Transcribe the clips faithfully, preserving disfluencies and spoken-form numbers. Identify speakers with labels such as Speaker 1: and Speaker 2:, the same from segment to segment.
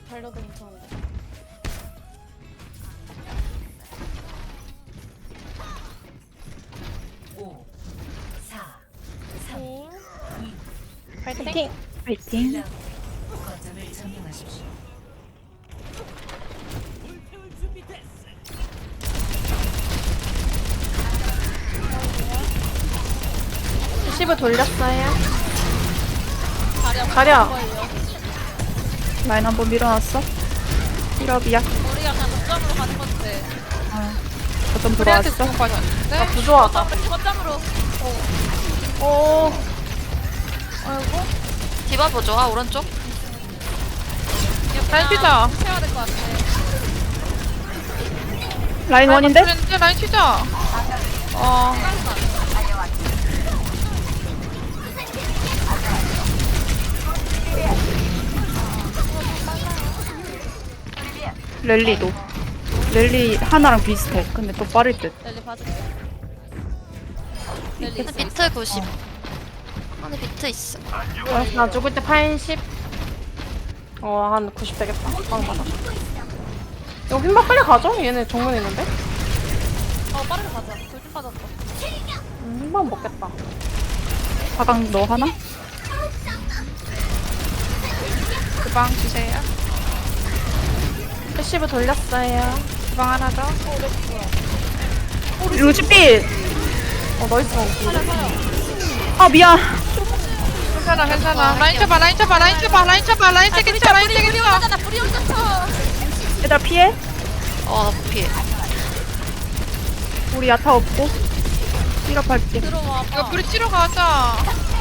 Speaker 1: 달려도 괜찮은데.
Speaker 2: 오, 사,
Speaker 1: 팅.
Speaker 3: 파이팅! 파이팅!
Speaker 2: 거점을 점령하십시오.
Speaker 3: 십 돌렸어요.
Speaker 1: 자리야.
Speaker 3: 자리야.
Speaker 1: 거예요.
Speaker 3: 라인 한번 밀어놨어. 힐업이야.
Speaker 1: 우리가 그냥 거점으로 가는 건데.
Speaker 3: 거점
Speaker 4: 우리한테
Speaker 3: 들어왔어.
Speaker 4: 공 빠졌는데?
Speaker 3: 나 부조하다.
Speaker 1: 거점으로 거점으로.
Speaker 3: 오.
Speaker 1: 아이고.
Speaker 5: 디바 보조. 아 오른쪽.
Speaker 4: 라인 피자.
Speaker 1: 해야 될 것 같아.
Speaker 3: 라인 원인데?
Speaker 4: 그랬는데 라인 튀자. 어.
Speaker 3: 랠리도. 랠리 하나랑 비슷해. 근데 또 빠를 듯.
Speaker 1: 랠리 봐줄게. 랠리 있어.
Speaker 5: 비트 구십. 안에 비트 있어.
Speaker 3: 어, 나 죽을 때 팔십. 어, 한 구십 되겠다. 방 받아. 이거 흰밥 빨리 가죠? 얘네 정면 있는데?
Speaker 1: 어 빠르게 가자. 돌진 빠졌어.
Speaker 3: 음, 흰밥 먹겠다. 화강 너 하나?
Speaker 4: 그방 주세요.
Speaker 3: 패시브 돌렸어요.
Speaker 4: 그방 하나 더.
Speaker 3: 루즈빛! 어, 나이스. 아, 미안.
Speaker 4: 괜찮아 괜찮아. 라인 쳐봐 라인 쳐봐 라인 쳐봐 라인 쳐봐 라인 쳐겠다 라인 쳐겠다.
Speaker 1: 하잖아. 불이 혼자 쳐.
Speaker 3: 얘들아, 피해?
Speaker 5: 어 피해.
Speaker 3: 우리 야타 없고. 힐업할게.
Speaker 1: 들어와.
Speaker 4: 이거 불이 치러 가자.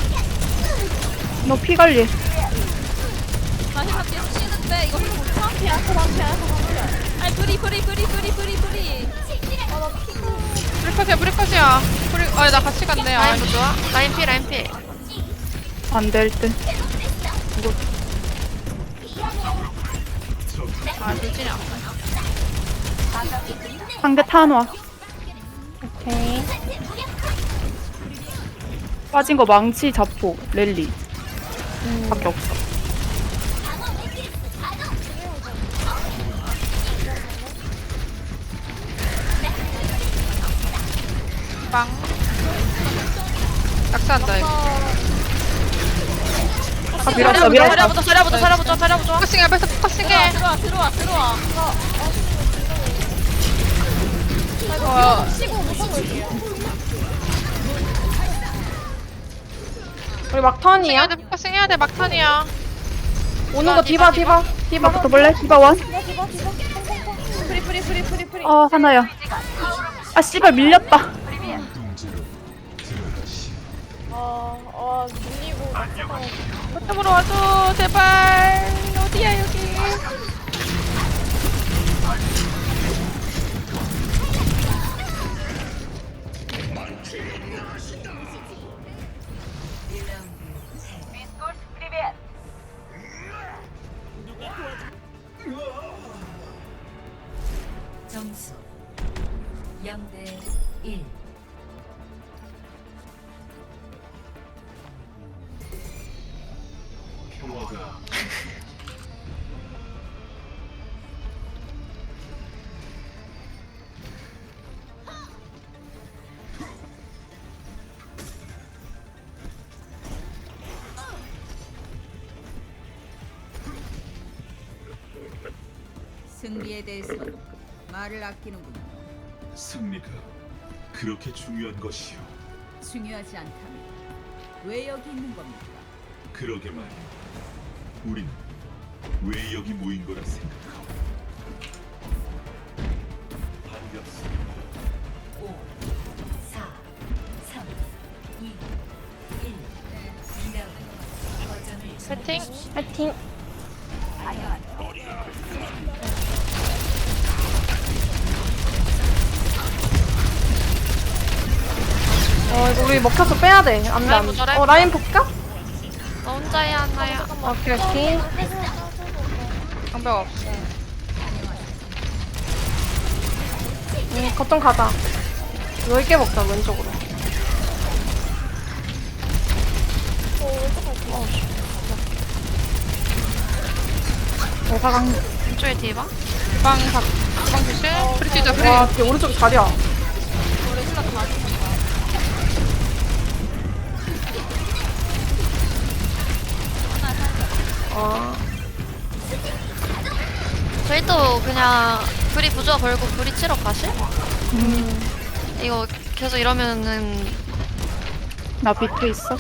Speaker 3: 너 피 관리.
Speaker 1: 나 힐만 계속 치는데 이거 힐 못 쳐? 피야. 그만 피야. 아니 불이 불이 불이 불이 불이 불이. 아나 피가.
Speaker 4: 브리컷이야 브리컷이야. 브리. 아나 같이 갔네. 아,
Speaker 5: 라인 보조. 라인 피 라인 피.
Speaker 3: 안 될 듯.
Speaker 4: 아 돌진이 안 돼.
Speaker 3: 상대 타노아. 오케이. 빠진 거 망치, 자포, 랠리. 밖에 없어.
Speaker 4: 빵. 낙사한다 이거.
Speaker 3: 아, 밀었어, 밀었어.
Speaker 5: 자리야부터 자리야부터 자리야부터 자리야부터.
Speaker 4: 포커싱해 앞에서 포커싱해.
Speaker 1: 들어와 들어와 들어와.
Speaker 4: 어.
Speaker 1: 치고 못하고 올게요.
Speaker 3: 우리 막턴이야?
Speaker 4: 해야 돼 포커싱 해야 돼 막탄이야.
Speaker 3: 오는 거 디바, 디바. 디바 붙어볼래? 디바 원?
Speaker 1: 프리 프리 프리 프리 프리.
Speaker 3: 어, 하나야. 아, 씨발, 밀렸다.
Speaker 1: 아아 밀리고.
Speaker 4: 거점으로 와줘 제발. 어디야 여기.
Speaker 2: 점수 영 대 일.
Speaker 6: 승리에 대해서 말을 아끼는군요.
Speaker 7: 승리가 그렇게 중요한 것이요.
Speaker 6: 중요하지 않다면 왜 여기 있는 겁니까?
Speaker 7: 그러게 말이야. 우리는 왜 여기 모인 거라 생각하고. 반갑습니다.
Speaker 2: 오, 사, 삼, 이, 일. 이 라운드 거점을
Speaker 4: 파이팅.
Speaker 3: 파이팅. 어, 이거 우리 먹혀서 빼야 돼. 안 돼,
Speaker 5: 라인
Speaker 3: 안
Speaker 5: 보자,
Speaker 3: 돼.
Speaker 5: 라인
Speaker 3: 어, 라인 볼까?
Speaker 5: 너 혼자야 하나야.
Speaker 3: 오케이, 오케이.
Speaker 4: 방벽 없어.
Speaker 3: 응, 거점 가자. 넓게 먹자, 왼쪽으로.
Speaker 4: 오사강
Speaker 5: 왼쪽에 디바.
Speaker 4: 주방 박 주방 조심. 프리 뛰자 프리.
Speaker 3: 와 뒤에 오른쪽 자리야.
Speaker 1: 우리 힐러 좀 많이 쳤다.
Speaker 3: 아
Speaker 5: 저희 또 그냥 불이 부조화 걸고 불이 치러 가실? 이거 계속 이러면은
Speaker 4: 나 비트 있어.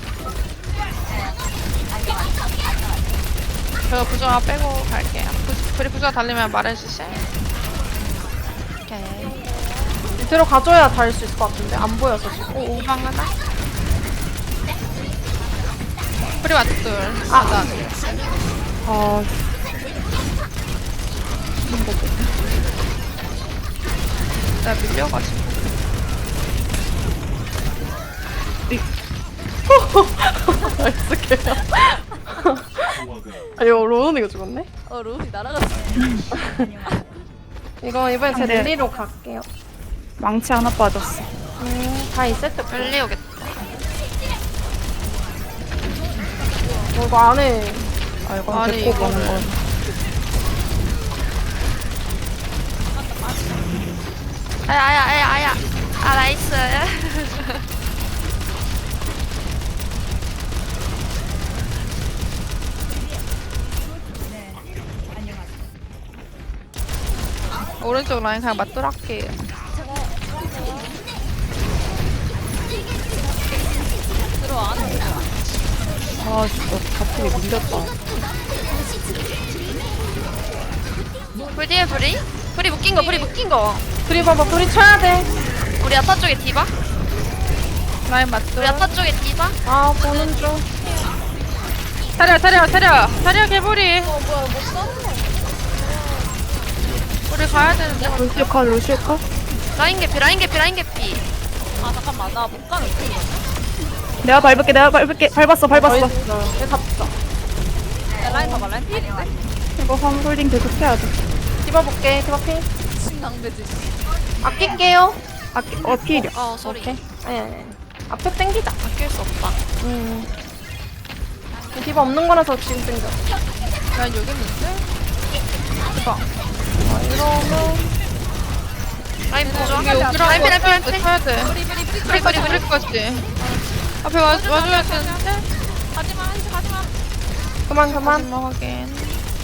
Speaker 4: 저 부조화 빼고 갈게요. 부, 프리 부조화 달리면 말해주세요.
Speaker 5: 오케이.
Speaker 3: 밑으로 가줘야 닿을 수 있을 것 같은데 안 보여서 지금.
Speaker 4: 오 오방 하나. 프리 왓둘. 아.
Speaker 3: 아
Speaker 4: 나 밀려가지고.
Speaker 3: 나이스 개야. 아 이거 로운이가 죽었네?
Speaker 1: 어 로우이 날아갔어.
Speaker 3: 이거 이번에 제
Speaker 4: 안 돼.
Speaker 3: 릴리로 갈게요.
Speaker 4: 망치 하나 빠졌어.
Speaker 3: 음, 다 있을 때.
Speaker 5: 릴리 오겠다.
Speaker 3: 어, 이거 안에.
Speaker 4: 아 이거
Speaker 5: 아니,
Speaker 4: 데리고 가는
Speaker 5: 이거를.
Speaker 4: 건.
Speaker 5: 아야 아야 아야 아야. 아 나이스.
Speaker 4: 오른쪽 라인 그냥 맞돌할게요.
Speaker 1: 들어와 안 해.
Speaker 4: 아 진짜 갑자기 밀렸다.
Speaker 5: 불 뒤에 불이? 불이 묶인 거 불이 묶인 거.
Speaker 3: 둘이 봐봐, 둘이 쳐야 돼.
Speaker 5: 우리 아타 쪽에 디바?
Speaker 4: 라인 맞돌.
Speaker 5: 우리 아타 쪽에 디바?
Speaker 3: 아, 보는 중.
Speaker 4: 차려 차려 차려 차려 개구리.
Speaker 1: 어 뭐야 못 싸우네.
Speaker 4: 우리 가야 되는데. 루시오 컷 루시오 컷.
Speaker 5: 라인 개피 라인 개피 라인 개피.
Speaker 1: 아 잠깐만 나 못 가는 거.
Speaker 4: 내가 밟을게 내가 밟을게 밟았어 밟았어.
Speaker 3: 얘 잡자.
Speaker 1: 야 라인 봐봐 라인 필인데?
Speaker 4: 이거 홈홀딩 계속 해야 돼.
Speaker 3: 집어볼게, 집어필.
Speaker 1: 신강배지.
Speaker 3: 아낄게요.
Speaker 4: 아, 어 필이야.
Speaker 5: 어 소리.
Speaker 3: 오케이. 아니, 아니, 아니. 앞에 땡기자.
Speaker 5: 아낄 수 없다.
Speaker 3: 음. 디바 없는 거라서 지금 땡겨.
Speaker 4: 난 여기 있는데.
Speaker 3: 아, 이러면.
Speaker 5: 라인 보조.
Speaker 4: 이게 오기라고
Speaker 5: 라인 피 라인 피 라인 피.
Speaker 4: 해야 돼.
Speaker 1: 뿌리 뿌리 뿌리
Speaker 5: 뿌리 뿌리 뿌리.
Speaker 4: 뿌리까지. 앞에 와 와줘야 되는데.
Speaker 1: 가지마 한시 가지마.
Speaker 3: 그만, 그만.
Speaker 4: 마지막 확인.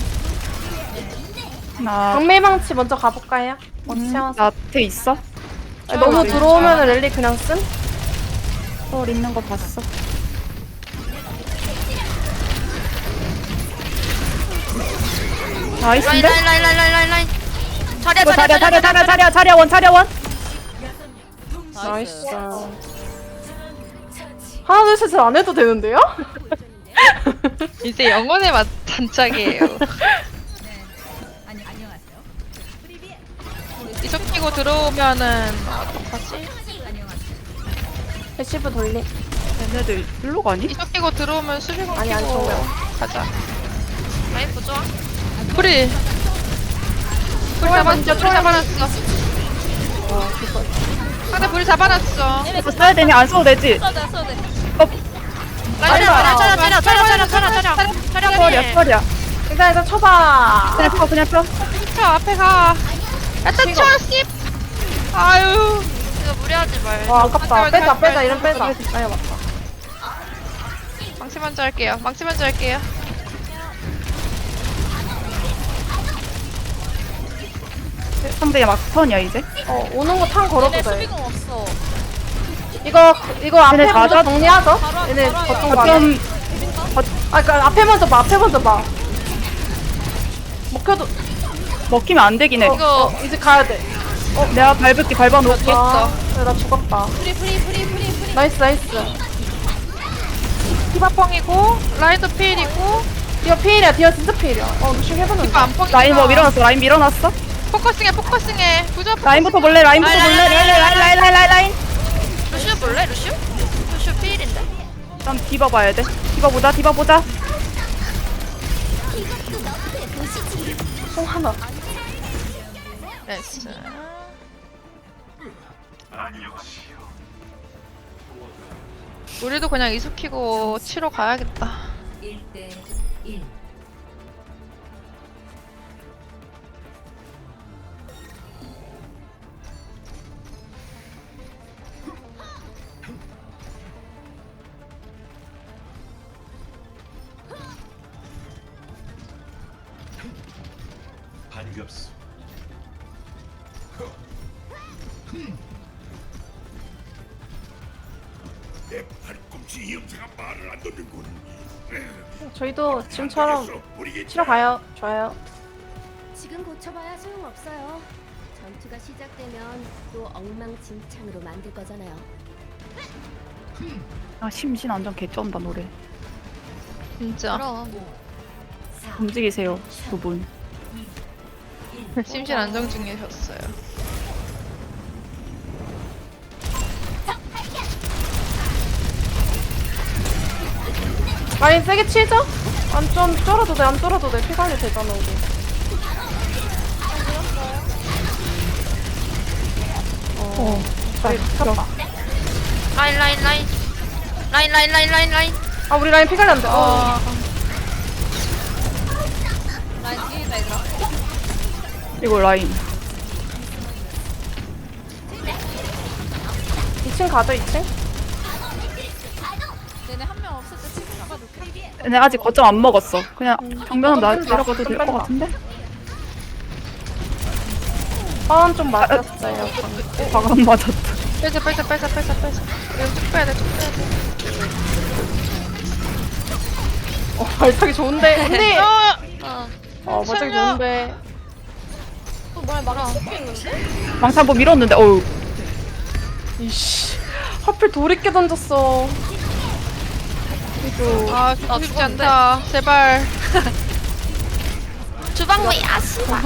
Speaker 4: 나
Speaker 3: 경매방치 먼저 가볼까요?
Speaker 4: 음,
Speaker 3: 나
Speaker 4: 나트 있어?
Speaker 3: 너무 들어오면 랠리 그냥 쓴?
Speaker 4: sol 있는 거 봤어.
Speaker 5: 라인
Speaker 4: 나이스인데?
Speaker 5: 라인 라인 라인 라인 라인 라인. 자리야
Speaker 4: 이거
Speaker 5: 자리야
Speaker 4: 자리야 자리야 자리야 자리야 자리야 원 자리야 원.
Speaker 3: 나이스. 하나, 둘, 셋을 안 해도 되는데요?
Speaker 4: 이제 영혼의 맛 단짝이에요.
Speaker 6: 아니 안녕하세요.
Speaker 4: 이속 끼고 들어오면은 어떡하지?
Speaker 3: 패시브 돌리.
Speaker 4: 얘네들 일로 가니? 이속 끼고 들어오면 수비공
Speaker 3: 아니, 아니,
Speaker 4: 끼고
Speaker 3: 정면.
Speaker 4: 가자.
Speaker 5: 라인 보조.
Speaker 4: 프리. 불 잡았어. 불 잡아놨어. 상대 불 잡아놨어.
Speaker 1: 이거
Speaker 4: 써야 되니 안 써도 되지?
Speaker 1: 써도 돼 써도 돼.
Speaker 5: 라인 차려 차려 차려 차려 차려 차려 차려 차려
Speaker 4: 펄이야
Speaker 5: 차려.
Speaker 4: 펄이야.
Speaker 3: 일단, 일단 쳐봐.
Speaker 4: 그냥 펴 그냥 펴. 쳐 앞에 가. 야타 쳐 씹. 아유.
Speaker 5: 이거 무리하지 말.
Speaker 3: 와, 아깝다.
Speaker 4: 잠깐만,
Speaker 3: 빼자,
Speaker 4: 잠깐만.
Speaker 3: 빼자, 이런 빼자. 아니, 맞다.
Speaker 4: 망치 먼저 할게요. 망치 먼저 할게요. 상대 막 턴이야 이제.
Speaker 3: 어, 오는 거 탄 걸어도
Speaker 1: 얘네
Speaker 3: 돼.
Speaker 1: 수비공 없어.
Speaker 3: 이거, 이거 앞에
Speaker 4: 얘네
Speaker 3: 먼저
Speaker 4: 다
Speaker 3: 정리하죠?
Speaker 1: 바로
Speaker 3: 얘네
Speaker 1: 바로
Speaker 3: 거점
Speaker 1: 바로
Speaker 3: 가네.
Speaker 4: 좀
Speaker 3: 아, 그니까 앞에 먼저 봐, 앞에 먼저 봐. 먹혀도,
Speaker 4: 먹히면 안 되긴 해.
Speaker 3: 어,
Speaker 5: 이거
Speaker 3: 어, 이제 가야 돼.
Speaker 4: 내가 밟을게 밟아놓을게.
Speaker 3: 아, 그래, 나 죽었다.
Speaker 1: 프리 프리 프리 프리 프리.
Speaker 3: 나이스, 나이스.
Speaker 4: 디바펑이고 라이드 필이고
Speaker 3: 디어 피일이야, 디어 진짜 피일이야. 어, 루시 해보는
Speaker 4: 디바 안 펑이. 라인 뭐 밀어놨어. 라인 밀어놨어. 포커싱해 포커싱해. 부조 라인부터 볼래. 라인부터
Speaker 5: 라인,
Speaker 4: 볼래.
Speaker 5: 라인,
Speaker 4: 라인 라인 라인 라인 라인 라인.
Speaker 5: 루시우 볼래 루시우? 루시우 필인데.
Speaker 4: 일단 디바 봐야 돼. 디바 보자. 디바 보자.
Speaker 3: 송 하나.
Speaker 4: 나이스. 우리도 그냥 이숙키고 치러 가야겠다.
Speaker 2: 일 대 일.
Speaker 7: 반갑소. 내 팔꿈치 이 형사가 말을 안 듣는군.
Speaker 3: 저희도 지금처럼
Speaker 7: 우리
Speaker 3: 치러 가요. 좋아요.
Speaker 8: 지금 고쳐봐야 소용없어요. 전투가 시작되면 또 엉망진창으로 만들 거잖아요.
Speaker 9: 아 심신 안정 개쩐다 노래.
Speaker 4: 진짜.
Speaker 5: 그럼.
Speaker 9: 움직이세요 두 분.
Speaker 4: 심신 안정 중이셨어요.
Speaker 3: 라인 세게 치죠? 안 좀 쫄아도 돼. 안 쫄아도 돼. 피 관리 되잖아 우리.
Speaker 9: 어.
Speaker 3: 저희 쳤다.
Speaker 5: 라인 라인 라인. 라인 라인 라인 라인 라인.
Speaker 3: 아 우리 라인 피 관리 안 돼. 어.
Speaker 1: 라인 뒤에 있다 얘들아.
Speaker 9: 이거 라인.
Speaker 3: 이 층 가죠 이 층?
Speaker 1: 얘네 한 명 없을 때 치킨 가도 돼.
Speaker 9: 근데 아직 거점 안 먹었어. 그냥 정면은 나
Speaker 3: 좀 뺀다,
Speaker 9: 내려가도
Speaker 3: 좀
Speaker 9: 될 것
Speaker 3: 뺀다.
Speaker 9: 같은데?
Speaker 3: 파운 좀 맞았어요.
Speaker 9: 과감 맞았다.
Speaker 4: 빼자 빼자 빼자 빼자 빼자. 이거 쭉 빼야 돼, 쭉 빼야 돼.
Speaker 3: 어 발차기 좋은데. 언니.
Speaker 4: 어!
Speaker 5: 어.
Speaker 3: 어 발차기
Speaker 4: 살려.
Speaker 3: 좋은데.
Speaker 1: 또 뭐야 막아 섞여 있는데?
Speaker 9: 망치 한번 밀었는데 어우.
Speaker 3: 이씨. 하필 돌 있게 던졌어. 이거.
Speaker 4: 아, 죽고 싶지 않다. 제발.
Speaker 5: 주방위 아씨발.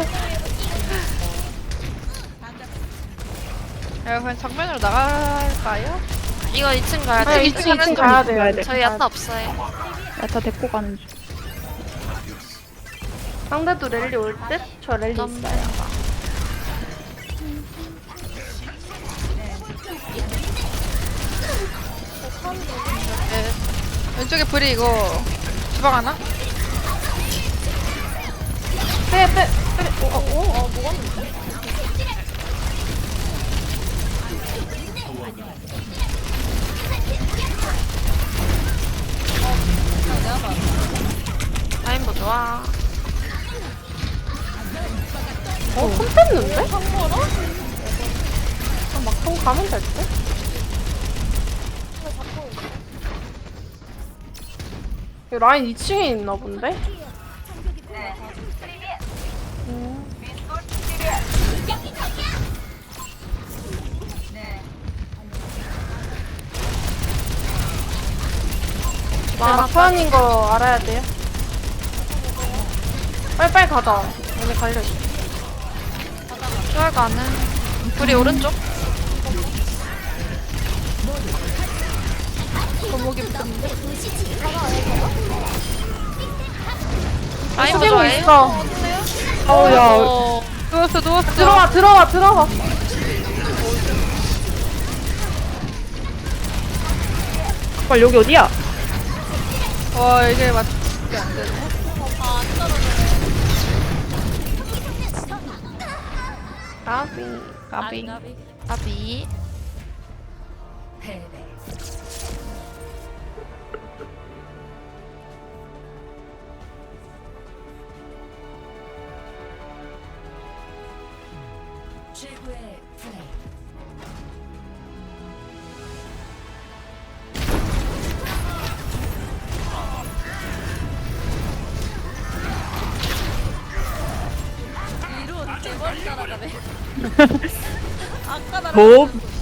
Speaker 4: 야, 그냥 정면으로 나갈까요?
Speaker 5: 이거 이 층 가야
Speaker 3: 아
Speaker 5: 돼.
Speaker 3: 이 층 이 층 가야 돼요.
Speaker 9: 가야 돼.
Speaker 5: 저희 야타 없어요.
Speaker 9: 야타 데리고 가는 중.
Speaker 3: 상대도 랠리 올 듯? 저 랠리
Speaker 5: 너무
Speaker 3: 있어요.
Speaker 4: 네. 왼쪽에 불이 이거 주방 하나?
Speaker 3: 빼, 빼, 빼. 어, 어, 어.
Speaker 5: 라인 뭐 좋아.
Speaker 3: 어, 손 뺐는데? 아, 막통 가면 될 듯? 이 라인 이 층에 있나 본데? 음. 아, 막판인 거 알아야 돼요. 빨리빨리 가자. 얘네 갈려있어.
Speaker 5: 추월 가는. 불이 오른쪽.
Speaker 4: 거목이 붙었는데?
Speaker 5: 라인 뭐
Speaker 3: 숙이고
Speaker 5: 좋아해?
Speaker 3: 있어.
Speaker 9: 어우야.
Speaker 4: 어, 누웠어, 누웠어.
Speaker 3: 들어와, 들어와, 들어와.
Speaker 9: 빨리 여기 어디야?
Speaker 4: 와, 이게 맞지 안 되네.
Speaker 3: 까비.
Speaker 4: 까비.
Speaker 5: 아비.
Speaker 2: 패배. 최고의 플레이.
Speaker 1: 위로 대머리 따라가네. 아까 나랑
Speaker 9: 뭐?